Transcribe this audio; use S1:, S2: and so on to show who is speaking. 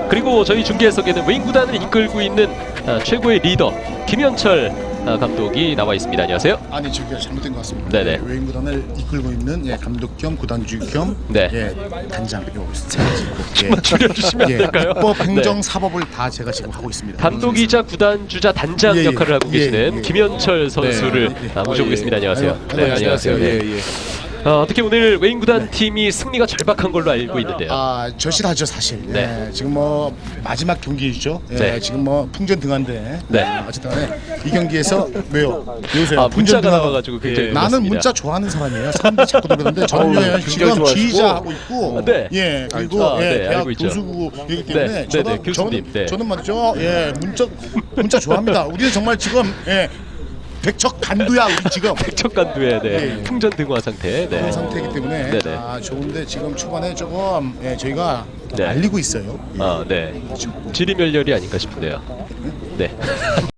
S1: 그리고 저희 중계 해석에는 웨인 구단을 이끌고 있는 최고의 리더 김현철 감독이 나와 있습니다. 안녕하세요.
S2: 아니 저기가 잘못된 것 같습니다.
S1: 네네.
S2: 웨인 구단을 이끌고 있는 감독 겸 구단주 겸 단장 요
S1: 좀만 줄여주시면 안 될까요?
S2: 입법, 행정, 사법을 다 제가 지금 하고 있습니다.
S1: 감독이자 구단주자 단장 역할을 하고 계시는 김현철 선수를 모셔보겠습니다. 안녕하세요. 네, 안녕하세요. 네. 어떻게 오늘 웨인 구단 팀이 승리가 절박한 걸로 알고 있는데요.
S2: 절실하죠 사실.
S1: 네.
S2: 지금 뭐 마지막 경기죠.
S1: 네.
S2: 지금 뭐 풍전 등한데.
S1: 네.
S2: 어쨌든 이 경기에서 왜요? 요새
S1: 문자가 나와가지고 굉장히
S2: 나는
S1: 놀랐습니다.
S2: 문자 좋아하는 사람이에요. 사람들이 자꾸 그러는데 저는 지금 지휘자하고 있고, 그리고 대학
S1: 알고 있죠.
S2: 교수이기 때문에
S1: 교수님.
S2: 저는 맞죠. 문자 좋아합니다. 우리는 정말 지금 백척 간두야 우리 지금.
S1: 백척 간두에 풍전 등화 상태.
S2: 그런 상태이기 때문에
S1: 네네.
S2: 좋은데 지금 초반에 조금 저희가
S1: 네.
S2: 알리고 있어요.
S1: 지리멸렬이 아닌가 싶은데요. 네.